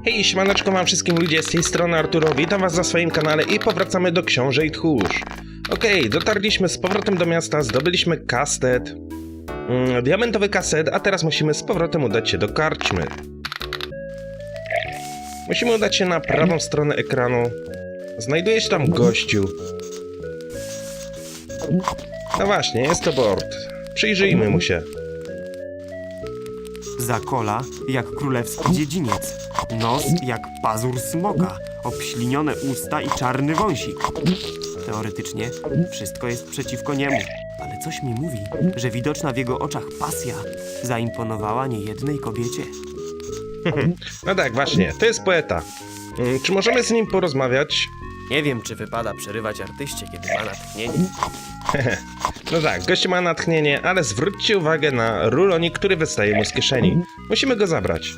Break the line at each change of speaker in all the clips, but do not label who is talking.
Hej, siemaneczko wam wszystkim ludzie, z tej strony Arturo, witam was na swoim kanale i powracamy do Książę i Tchórz. Okej, dotarliśmy z powrotem do miasta, zdobyliśmy kastet, diamentowy kaset, a teraz musimy z powrotem udać się do karczmy. Musimy udać się na prawą stronę ekranu. Znajduje się tam gościu. No właśnie, jest to Bord. Przyjrzyjmy mu się.
Zakola jak królewski dziedziniec. Nos jak pazur smoka. Obślinione usta i czarny wąsik. Teoretycznie wszystko jest przeciwko niemu. Ale coś mi mówi, że widoczna w jego oczach pasja zaimponowała niejednej kobiecie.
No tak, właśnie, to jest poeta. Czy możemy z nim porozmawiać?
Nie wiem, czy wypada przerywać artyście, kiedy ma natchnienie.
No tak, gość ma natchnienie, ale zwróćcie uwagę na rulonik, który wystaje mu z kieszeni. Musimy go zabrać.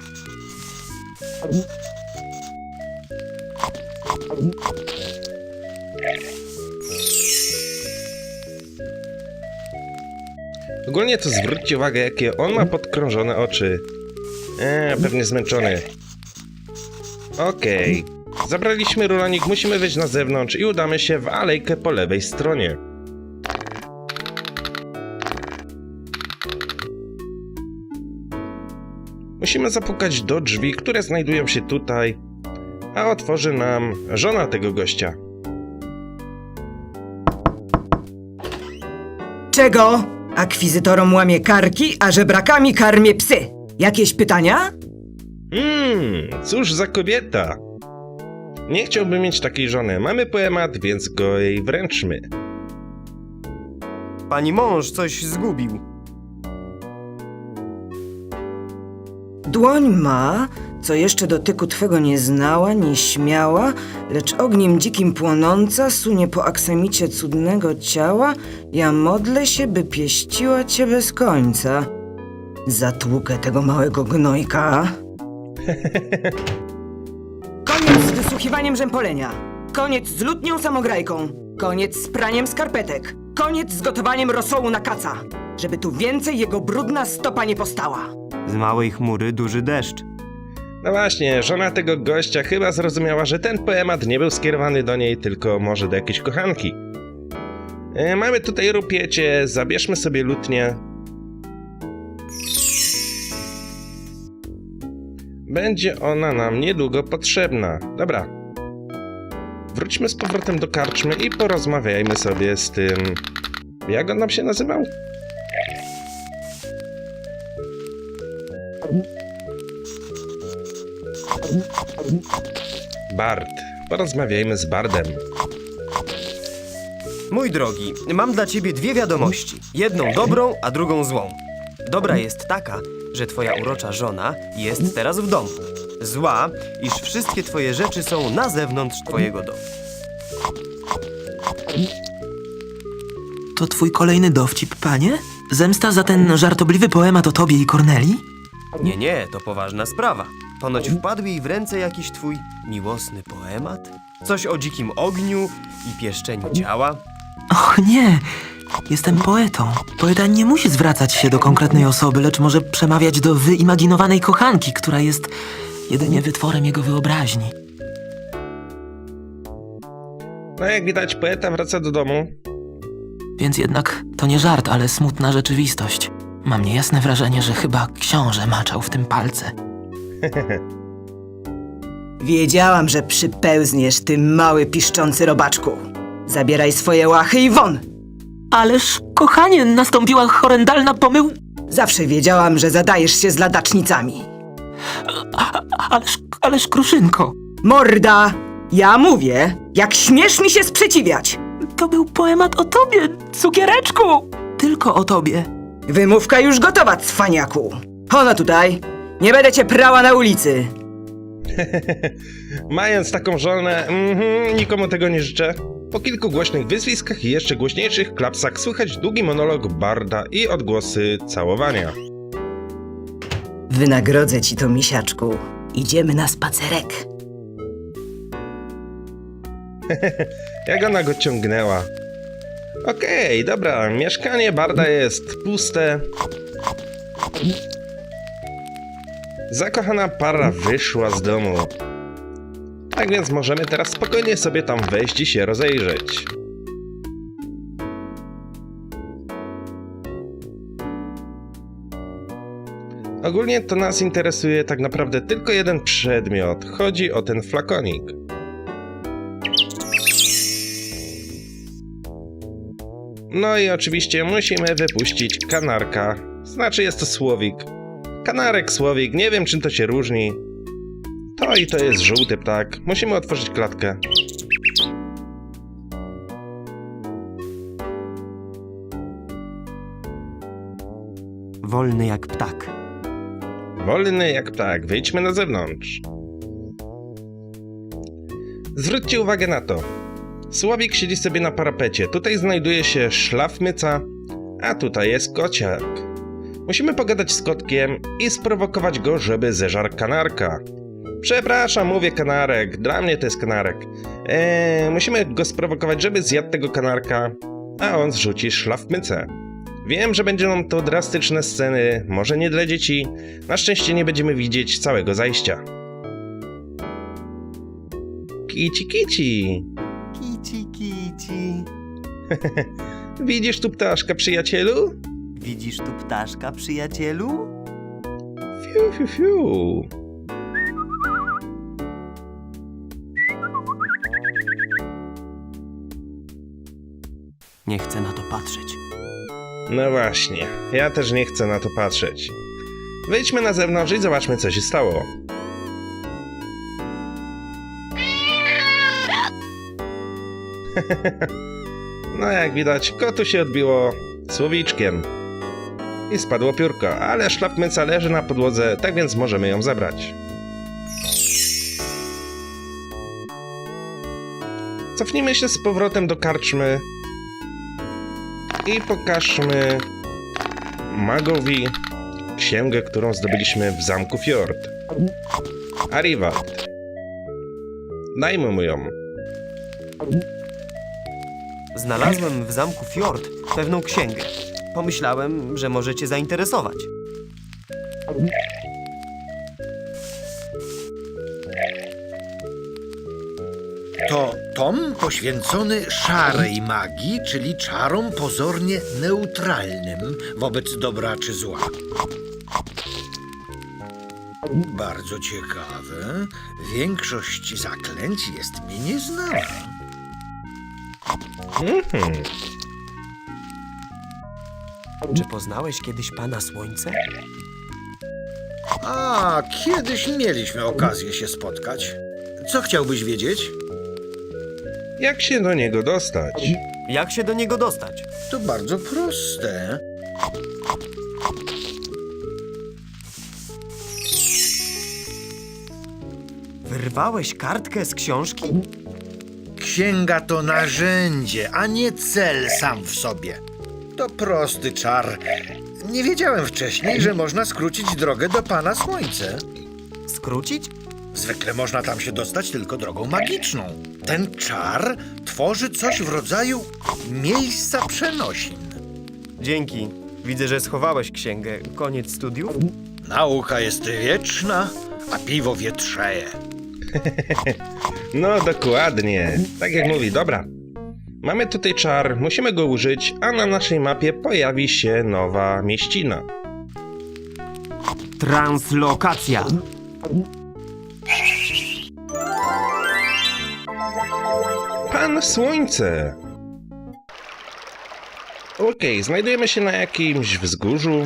Ogólnie to zwróćcie uwagę, jakie on ma podkrążone oczy. Pewnie zmęczony. Okej. Zabraliśmy rulonik, musimy wyjść na zewnątrz i udamy się w alejkę po lewej stronie. Musimy zapukać do drzwi, które znajdują się tutaj, a otworzy nam żona tego gościa.
Czego? Akwizytorom łamie karki, a żebrakami karmię psy. Jakieś pytania?
Cóż za kobieta. Nie chciałbym mieć takiej żony. Mamy poemat, więc go jej wręczmy.
Pani mąż coś zgubił.
Dłoń ma, co jeszcze dotyku twego nie znała, nie śmiała, lecz ogniem dzikim płonąca sunie po aksamicie cudnego ciała, ja modlę się, by pieściła cię bez końca. Zatłukę tego małego gnojka. Koniec z wysłuchiwaniem rzępolenia. Koniec z lutnią samograjką. Koniec z praniem skarpetek. Koniec z gotowaniem rosołu na kaca. Żeby tu więcej jego brudna stopa nie postała.
Z małej chmury duży deszcz.
No właśnie, żona tego gościa chyba zrozumiała, że ten poemat nie był skierowany do niej, tylko może do jakiejś kochanki. Mamy tutaj rupiecie, zabierzmy sobie lutnię. Będzie ona nam niedługo potrzebna. Dobra. Wróćmy z powrotem do karczmy i porozmawiajmy sobie z tym... Jak on nam się nazywał? Bard. Porozmawiajmy z Bardem.
Mój drogi, mam dla ciebie dwie wiadomości. Jedną dobrą, a drugą złą. Dobra jest taka, że twoja urocza żona jest teraz w domu. Zła, iż wszystkie twoje rzeczy są na zewnątrz twojego domu.
To twój kolejny dowcip, panie? Zemsta za ten żartobliwy poemat o tobie i Kornelii?
Nie, to poważna sprawa. Ponoć wpadł jej w ręce jakiś twój miłosny poemat? Coś o dzikim ogniu i pieszczeniu ciała?
Och nie, jestem poetą. Poeta nie musi zwracać się do konkretnej osoby, lecz może przemawiać do wyimaginowanej kochanki, która jest jedynie wytworem jego wyobraźni.
No jak widać, poeta wraca do domu.
Więc jednak to nie żart, ale smutna rzeczywistość. Mam niejasne wrażenie, że chyba książę maczał w tym palce.
Wiedziałam, że przypełzniesz, ty mały piszczący robaczku. Zabieraj swoje łachy i won!
Ależ, kochanie, nastąpiła horrendalna pomył...
Zawsze wiedziałam, że zadajesz się z ladacznicami.
Ależ, Kruszynko,
Morda! Ja mówię, jak śmiesz mi się sprzeciwiać!
to był poemat o tobie, cukiereczku! Tylko o tobie.
Wymówka już gotowa, cwaniaku! Ono tutaj! Nie będę cię prała na ulicy!
Mając taką żonę, nikomu tego nie życzę. Po kilku głośnych wyzwiskach i jeszcze głośniejszych klapsach słychać długi monolog Barda i odgłosy całowania.
Wynagrodzę ci to, misiaczku. Idziemy na spacerek.
Jak ona go ciągnęła. Okej, dobra, mieszkanie Barda jest puste. Zakochana para wyszła z domu. Tak więc możemy teraz spokojnie sobie tam wejść i się rozejrzeć. Ogólnie to nas interesuje tak naprawdę tylko jeden przedmiot. Chodzi o ten flakonik. No i oczywiście musimy wypuścić kanarka. Znaczy jest to słowik. Kanarek, słowik, nie wiem czym to się różni. To i to jest żółty ptak. Musimy otworzyć klatkę.
Wolny jak ptak.
Wolny jak ptak, wyjdźmy na zewnątrz. Zwróćcie uwagę na to. Słowik siedzi sobie na parapecie. Tutaj znajduje się szlafmyca, a tutaj jest kociak. Musimy pogadać z kotkiem i sprowokować go, żeby zeżarł kanarka. Przepraszam, mówię kanarek. Dla mnie to jest kanarek. Musimy go sprowokować, żeby zjadł tego kanarka, a on zrzuci szlafmycę. Wiem, że będą to drastyczne sceny, może nie dla dzieci. Na szczęście nie będziemy widzieć całego zajścia. Kici, kici.
Kici, kici.
Widzisz tu ptaszka, przyjacielu?
Widzisz tu ptaszka, przyjacielu?
Fiu, fiu, fiu.
Nie chcę na to patrzeć.
No właśnie, ja też nie chcę na to patrzeć. Wyjdźmy na zewnątrz i zobaczmy, co się stało. No jak widać, kotu się odbiło słowiczkiem. I spadło piórko, ale szlafmyca leży na podłodze, tak więc możemy ją zabrać. Cofnijmy się z powrotem do karczmy i pokażmy magowi księgę, którą zdobyliśmy w zamku Fjord. Arivald. Dajmy mu ją.
Znalazłem w zamku Fjord pewną księgę. Pomyślałem, że może cię zainteresować.
To tom poświęcony szarej magii, czyli czarom pozornie neutralnym wobec dobra czy zła. Bardzo ciekawe. Większość zaklęć jest mi nieznana.
Czy poznałeś kiedyś Pana Słońce?
A, kiedyś mieliśmy okazję się spotkać. Co chciałbyś wiedzieć?
Jak się do niego dostać?
Jak się do niego dostać?
To bardzo proste.
Wyrwałeś kartkę z książki?
Księga to narzędzie, a nie cel sam w sobie. To prosty czar. Nie wiedziałem wcześniej, że można skrócić drogę do Pana Słońce.
Skrócić?
Zwykle można tam się dostać tylko drogą magiczną. Ten czar tworzy coś w rodzaju miejsca przenosin.
Dzięki. Widzę, że schowałeś księgę. Koniec studiów?
Nauka jest wieczna, a piwo wietrzeje.
No dokładnie. Tak jak mówi, dobra. Mamy tutaj czar, musimy go użyć, a na naszej mapie pojawi się nowa mieścina.
Translokacja.
Pan Słońce! Okej, znajdujemy się na jakimś wzgórzu.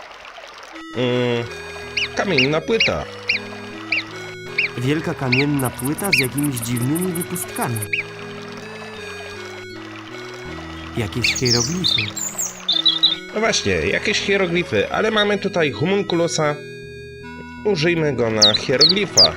Kamienna płyta.
Wielka kamienna płyta z jakimiś dziwnymi wypustkami. Jakieś hieroglify.
No właśnie, jakieś hieroglify, ale mamy tutaj homunculusa. Użyjmy go na hieroglifach.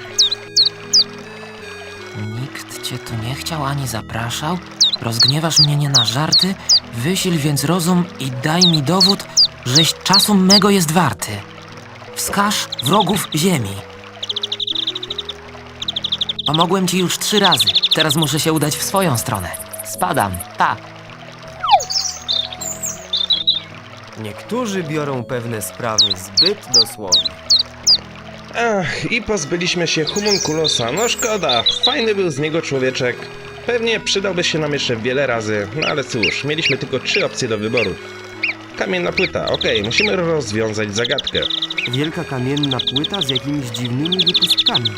Nikt cię tu nie chciał ani zapraszał? Rozgniewasz mnie nie na żarty? Wysil więc rozum i daj mi dowód, żeś czasu mego jest warty. Wskaż wrogów ziemi. Pomogłem ci już 3 razy. Teraz muszę się udać w swoją stronę. Spadam. Pa.
Niektórzy biorą pewne sprawy zbyt dosłownie.
Ach, i pozbyliśmy się homunculosa. No szkoda, fajny był z niego człowieczek. Pewnie przydałby się nam jeszcze wiele razy, no ale cóż, mieliśmy tylko 3 opcje do wyboru. Kamienna płyta, okej, musimy rozwiązać zagadkę.
Wielka kamienna płyta z jakimiś dziwnymi wypustkami.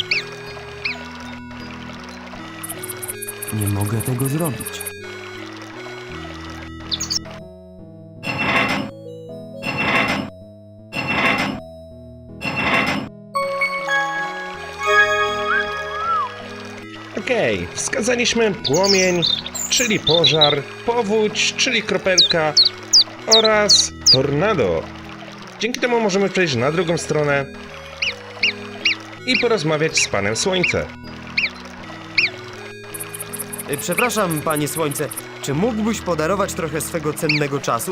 Nie mogę tego zrobić.
Okej, wskazaliśmy płomień, czyli pożar, powódź, czyli kropelka oraz tornado. Dzięki temu możemy przejść na drugą stronę i porozmawiać z Panem Słońce.
Przepraszam, panie Słońce, czy mógłbyś podarować trochę swego cennego czasu?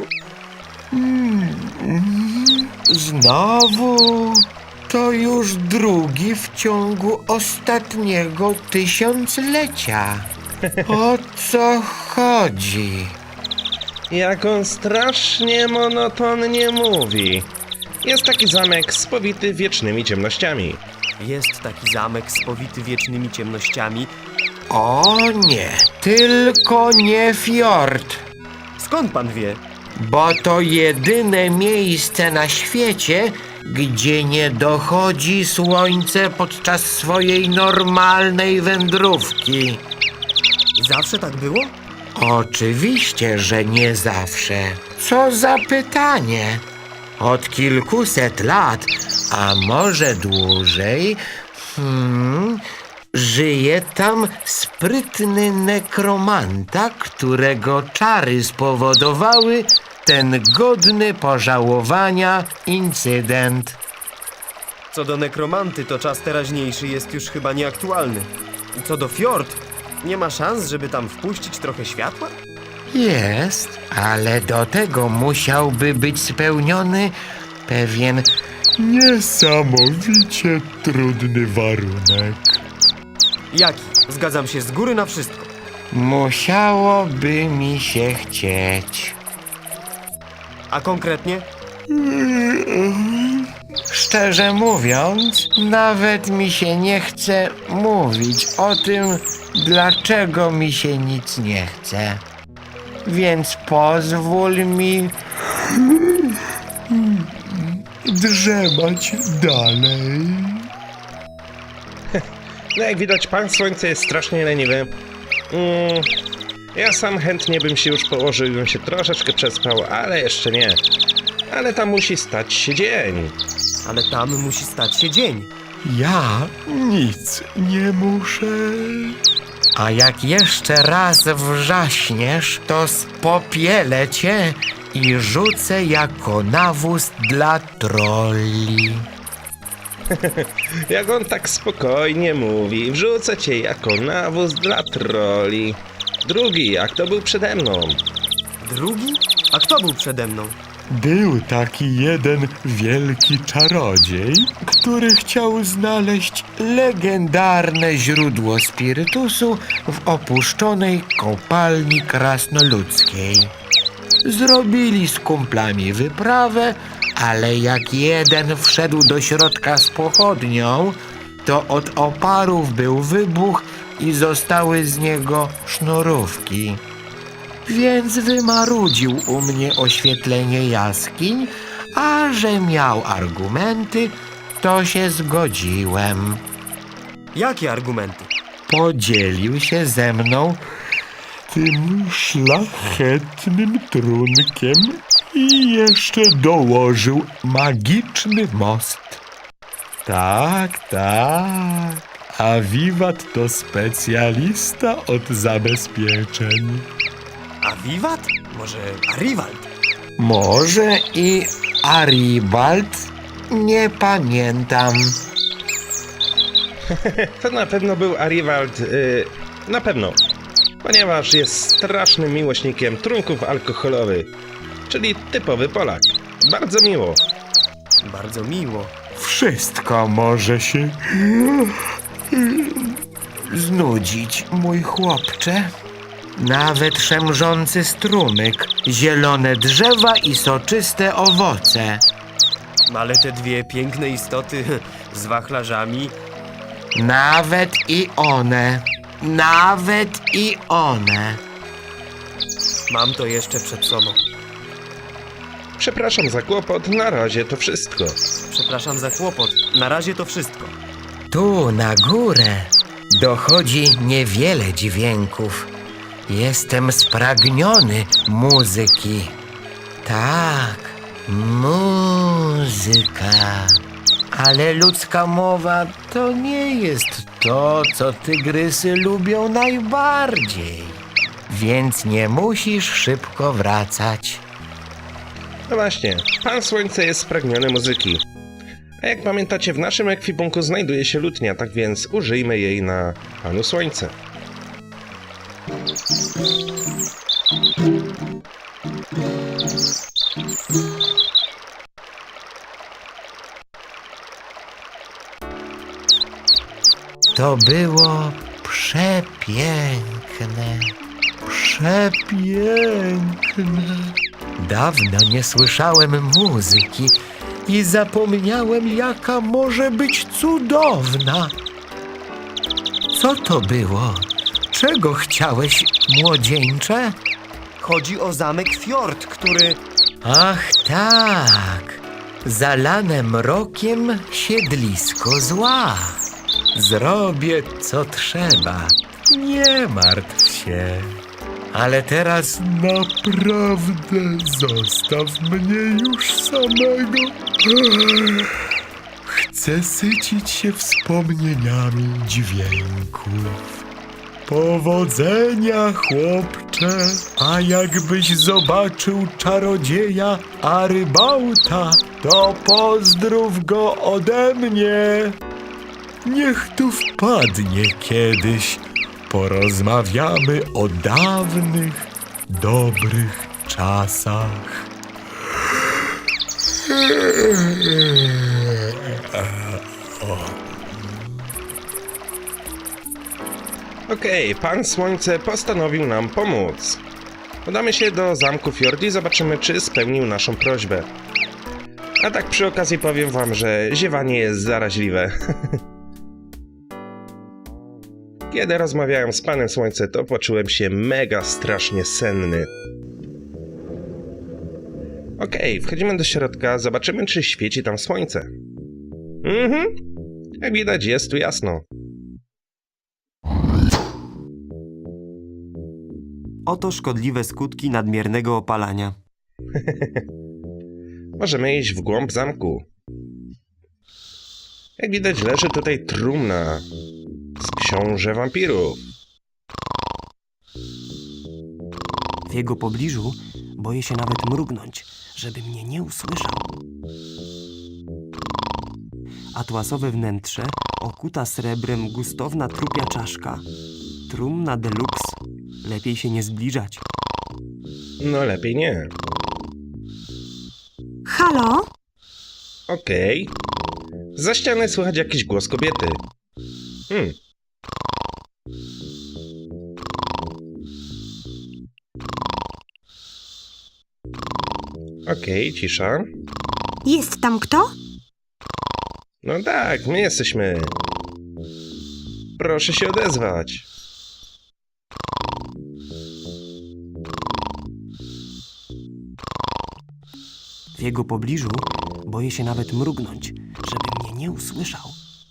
Znowu? To już drugi w ciągu ostatniego tysiąclecia. O co chodzi?
Jak on strasznie monotonnie mówi. Jest taki zamek spowity wiecznymi ciemnościami.
Jest taki zamek spowity wiecznymi ciemnościami.
O nie, tylko nie fiord,
Skąd pan wie?
bo to jedyne miejsce na świecie, gdzie nie dochodzi słońce podczas swojej normalnej wędrówki.
Zawsze tak było?
Oczywiście, że nie zawsze. Co za pytanie? Od kilkuset lat, a może dłużej, żyje tam sprytny nekromanta, którego czary spowodowały ten godny pożałowania incydent.
Co do nekromanty, to czas teraźniejszy jest już chyba nieaktualny. Co do fiord, nie ma szans, żeby tam wpuścić trochę światła?
Jest, ale do tego musiałby być spełniony pewien niesamowicie trudny warunek.
Jaki? Zgadzam się z góry na wszystko.
Musiałoby mi się chcieć.
A konkretnie?
Szczerze mówiąc, nawet mi się nie chce mówić o tym, dlaczego mi się nic nie chce. Więc pozwól mi drzemać dalej.
No jak widać, Pan Słońce jest strasznie leniwy. Ja sam chętnie bym się już położył i bym się troszeczkę przespał, ale jeszcze nie. Ale tam musi stać się dzień.
Ale tam musi stać się dzień.
Ja nic nie muszę. A jak jeszcze raz wrzaśniesz, to spopielę cię i rzucę jako nawóz dla trolli.
Jak on tak spokojnie mówi, wrzucę cię jako nawóz dla troli. Drugi, jak to był przede mną.
Drugi? A kto był przede mną?
Był taki jeden wielki czarodziej,
Który chciał znaleźć legendarne źródło spirytusu w opuszczonej kopalni krasnoludzkiej. Zrobili z kumplami wyprawę, ale jak jeden wszedł do środka z pochodnią, to od oparów był wybuch i zostały z niego sznurówki. Więc wymarudził u mnie oświetlenie jaskiń, a że miał argumenty, to się zgodziłem.
Jakie argumenty?
Podzielił się ze mną
tym szlachetnym trunkiem i jeszcze dołożył magiczny most. Tak, tak. A Wiwat to specjalista od zabezpieczeń.
A Wiwat? Może Arivald?
może i Aribald, nie pamiętam.
To na pewno był Arivald, na pewno. Ponieważ jest strasznym miłośnikiem trunków alkoholowych. Czyli typowy Polak. Bardzo miło.
Bardzo miło.
Wszystko może się
Znudzić, mój chłopcze. Nawet szemrzący strumyk, zielone drzewa i soczyste owoce.
Ale te dwie piękne istoty z wachlarzami...
Nawet i one. Nawet i one.
Mam to jeszcze przed sobą.
Przepraszam za kłopot, na razie to wszystko.
Przepraszam za kłopot. Na razie to wszystko.
Tu na górę dochodzi niewiele dźwięków. Jestem spragniony muzyki. Tak, muzyka. Ale ludzka mowa to nie jest to, co tygrysy lubią najbardziej. Więc nie musisz szybko wracać.
No właśnie, Pan Słońce jest spragniony muzyki. A jak pamiętacie, w naszym ekwipunku znajduje się lutnia, tak więc użyjmy jej na Panu Słońce.
To było przepiękne. Przepiękne. Dawno nie słyszałem muzyki i zapomniałem, jaka może być cudowna. Co to było? Czego chciałeś, młodzieńcze?
Chodzi o zamek Fjord, który...
Ach tak, zalane mrokiem siedlisko zła. Zrobię, co trzeba. Nie martw się. Ale teraz naprawdę zostaw mnie już samego. Chcę sycić się wspomnieniami dźwięków. Powodzenia, chłopcze, a jakbyś zobaczył czarodzieja Arybauta, to pozdrów go ode mnie. Niech tu wpadnie kiedyś, porozmawiamy o dawnych, dobrych czasach.
Okej, Pan Słońce postanowił nam pomóc. Udamy się do zamku Fjord i zobaczymy, czy spełnił naszą prośbę. A tak przy okazji powiem wam, że ziewanie jest zaraźliwe. Kiedy rozmawiałem z Panem Słońce, to poczułem się mega strasznie senny. Okej, wchodzimy do środka, zobaczymy, czy świeci tam słońce. Jak widać, jest tu jasno.
Oto szkodliwe skutki nadmiernego opalania.
Możemy iść w głąb zamku. Jak widać, leży tutaj trumna z książę wampirów.
W jego pobliżu boję się nawet mrugnąć, żeby mnie nie usłyszał. Atłasowe wnętrze, okuta srebrem gustowna trupia czaszka. Trumna deluxe. Lepiej się nie zbliżać.
No lepiej nie.
Halo?
Okej. Za ściany słychać jakiś głos kobiety. Okej, cisza.
Jest tam kto?
No tak, my jesteśmy. Proszę się odezwać.
W jego pobliżu boję się nawet mrugnąć, żeby mnie nie usłyszał.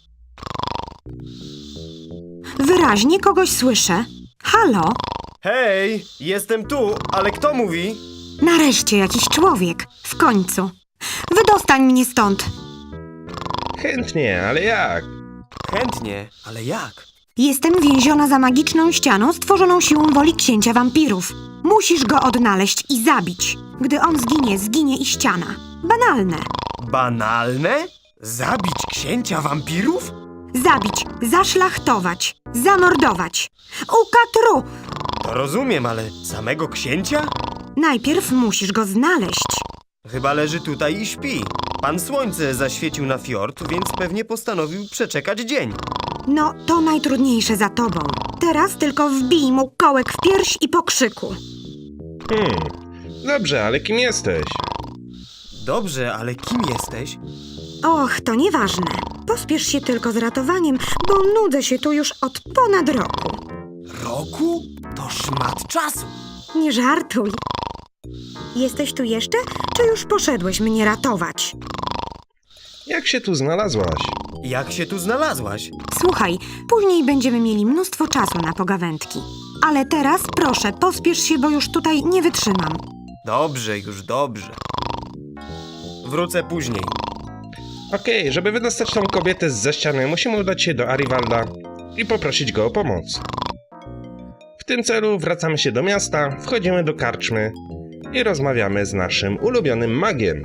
Wyraźnie kogoś słyszę. Halo?
Hej, jestem tu, ale kto mówi?
Nareszcie jakiś człowiek. W końcu. Wydostań mnie stąd.
Chętnie, ale jak?
Chętnie, ale jak?
Jestem więziona za magiczną ścianą stworzoną siłą woli księcia wampirów. Musisz go odnaleźć i zabić. Gdy on zginie, zginie i ściana. Banalne.
Banalne? Zabić księcia wampirów?
Zabić, zaszlachtować, zamordować. Ukatru!
To rozumiem, ale samego księcia?
Najpierw musisz go znaleźć.
Chyba leży tutaj i śpi. Pan Słońce zaświecił na fiord, więc pewnie postanowił przeczekać dzień.
No, to najtrudniejsze za tobą. Teraz tylko wbij mu kołek w pierś i po krzyku.
Dobrze, ale kim jesteś?
Dobrze, ale kim jesteś?
Och, to nieważne. Pospiesz się tylko z ratowaniem, bo nudzę się tu już od ponad roku.
Roku? To szmat czasu.
Nie żartuj. Jesteś tu jeszcze, czy już poszedłeś mnie ratować?
Jak się tu znalazłaś?
Jak się tu znalazłaś?
Słuchaj, później będziemy mieli mnóstwo czasu na pogawędki. Ale teraz proszę, pospiesz się, bo już tutaj nie wytrzymam.
Dobrze, już dobrze. Wrócę później.
Okej, żeby wydostać tą kobietę zza ściany, musimy udać się do Arivalda i poprosić go o pomoc. W tym celu wracamy się do miasta, wchodzimy do karczmy i rozmawiamy z naszym ulubionym magiem.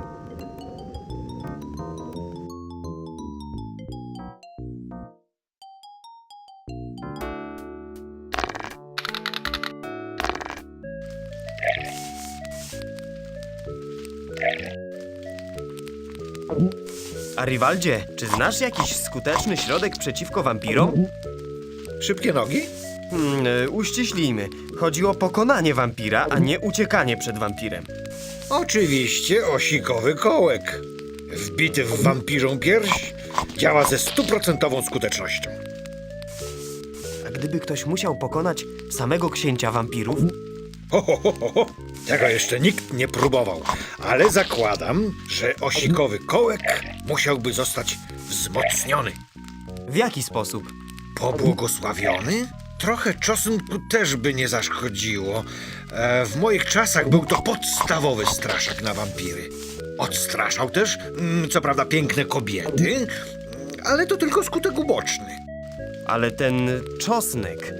Arivaldzie, czy znasz jakiś skuteczny środek przeciwko wampirom?
Szybkie nogi?
Uściślijmy. Chodzi o pokonanie wampira, a nie uciekanie przed wampirem.
Oczywiście osikowy kołek. Wbity w wampirzą pierś działa ze 100% skutecznością.
A gdyby ktoś musiał pokonać samego księcia wampirów?
Ho. Tego jeszcze nikt nie próbował, ale zakładam, że osikowy kołek musiałby zostać wzmocniony.
W jaki sposób?
Pobłogosławiony? Trochę czosnku też by nie zaszkodziło. W moich czasach był to podstawowy straszak na wampiry. Odstraszał też, co prawda, piękne kobiety, ale to tylko skutek uboczny.
Ale ten czosnek...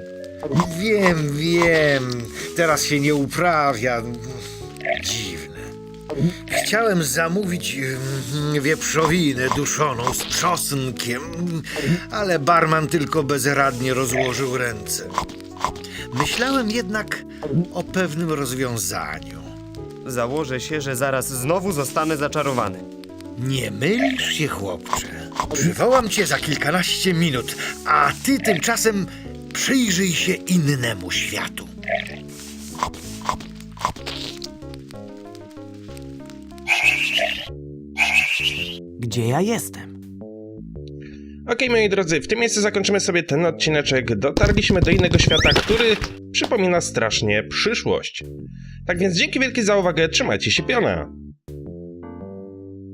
Wiem, teraz się nie uprawia. Dziwne. Chciałem zamówić wieprzowinę duszoną z czosnkiem, ale barman tylko bezradnie rozłożył ręce. Myślałem jednak o pewnym rozwiązaniu.
Założę się, że zaraz znowu zostanę zaczarowany.
Nie mylisz się, chłopcze. Przywołam cię za kilkanaście minut, a ty tymczasem przyjrzyj się innemu światu.
Gdzie ja jestem?
Okej, moi drodzy, w tym miejscu zakończymy sobie ten odcineczek. Dotarliśmy do innego świata, który przypomina strasznie przyszłość. Tak więc dzięki wielkie za uwagę, trzymajcie się piona.